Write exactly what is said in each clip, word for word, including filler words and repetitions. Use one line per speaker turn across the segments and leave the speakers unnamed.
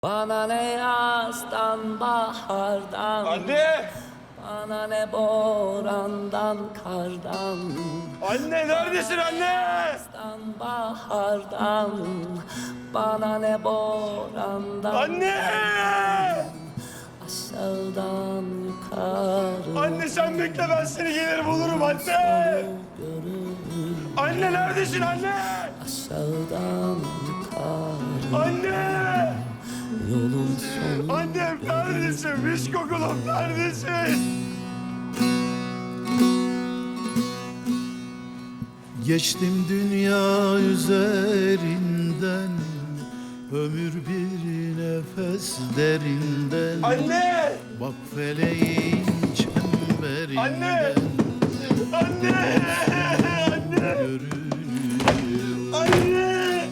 Bana ne yazdan bahardan,
Anne!
bana ne borandan kardan,
Anne neredesin anne?
yazdan bahardan, bana ne borandan,
Anne!
aşağıdan yukarı
Anne sen bekle ben seni gelir bulurum anne. Anne neredesin anne?
aşağıdan yukarı
Anne!
yolun sonu.
Annem neredesin? Mis kokulum neredesin?
Geçtim dünya üzerinden, ömür bir nefes derinden.
Anne!
Bak feleğin çemberinden.
Anne! Anne! Anne!
Görünüyor.
Anne!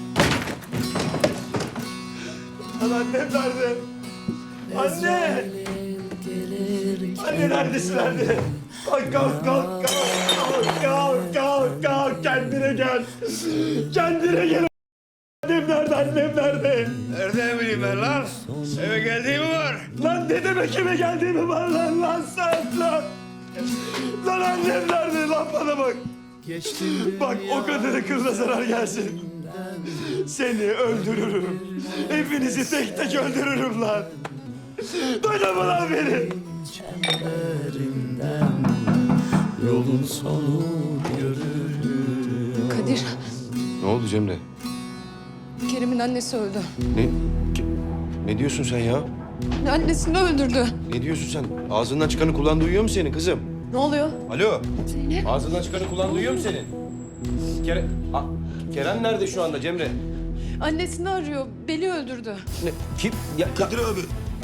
Lan annem nerede? Anne!
Gelir
Anne neredesin anne? Kalk kalk kalk kalk kalk kalk kalk kendine gel. Kendine gel. Annem nerede annem nerede?
Nereden bileyim ben lan? Eve geldiğimi var.
Lan ne demek eve geldiğimi var lan lan sen lan. Lan annem nerede lan bana bak.
Geçtim
Bak o
dünya
kadını kılına zarar gelsin. Seni öldürürüm. Hepinizi tek tek öldürürüm lan. Duydun mu lan beni?
çemberinden, yolun sonu görünüyor.
Kadir,
Ne oldu Cemre?
Kerem'in annesi öldü.
Ne? Ki- Ne diyorsun sen ya?
Annesini öldürdü.
Ne diyorsun sen? Ağzından çıkanı kulağın duyuyor mu senin kızım?
Ne oluyor?
Alo? Ağzından çıkanı kulağın duyuyor mu senin? Kerem... A- Kerem nerede şu anda Cemre?
Annesini arıyor. Beli öldürdü.
Ne? Kim? Ya,
Kadir abi.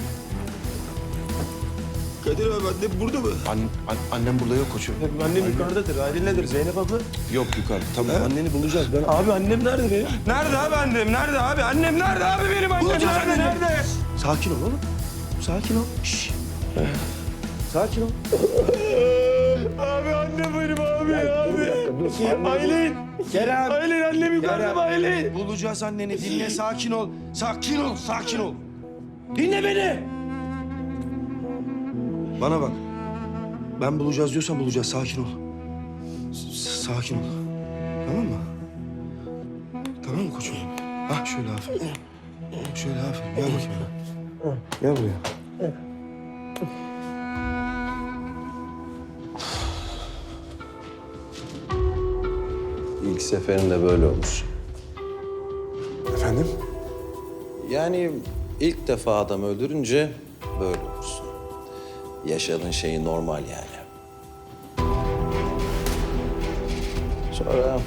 Kadir abi annem burada mı?
An, an- annem burada yok koçum.
Annem yukarıdadır. Ailenedir Zeynep abla.
Yok yukarı. Tamam anneni bulacağız. Ben
Abi annem nerede benim? Nerede abi annem? Nerede abi? Annem nerede abi benim annem?
Bulacağız
nerede?
anneni.
Nerede?
Sakin ol oğlum. Sakin ol. Şşş. Sakin ol.
Abi annem benim abi abi. Aylin.
Kerem.
Aylin annem yukarıda mı Aylin?
Bulacağız anneni. Dinle sakin ol. Sakin ol. Sakin ol. Dinle beni. Bana bak. Ben bulacağız diyorsan bulacağız. Sakin ol. S- sakin ol. Tamam mı? Tamam mı koçum? Ha şöyle aferin. Şöyle aferin. Gel bakayım. Gel buraya.
İlk seferinde böyle olmuş.
Efendim?
Yani ilk defa adam öldürünce böyle olursun. Yaşadığın şey normal yani. Sonra...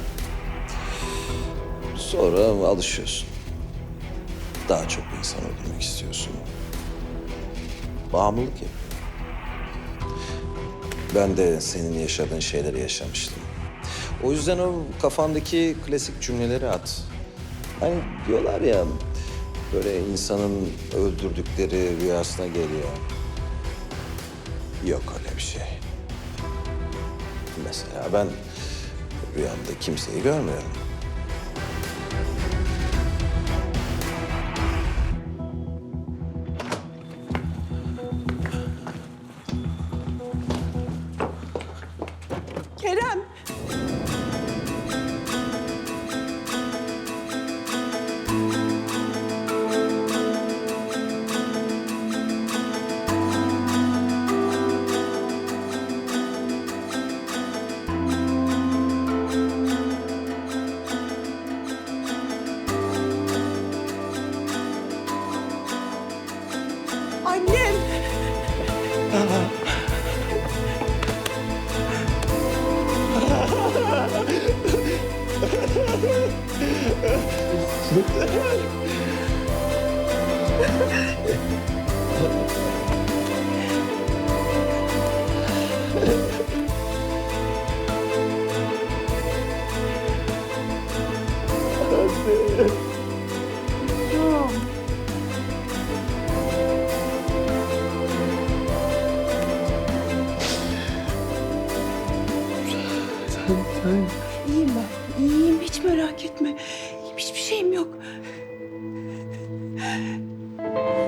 Sonra alışıyorsun. Daha çok insan öldürmek istiyorsun. Bağımlılık yapıyor. Ben de senin yaşadığın şeyleri yaşamıştım. O yüzden o kafandaki klasik cümleleri at. Hani diyorlar ya, böyle insanın öldürdükleri rüyasına geliyor. Yok öyle bir şey. Mesela ben rüyamda kimseyi görmüyorum.
Kerem. Annem. İyiyim ben. İyiyim. Hiç merak etme. Hiçbir şeyim yok.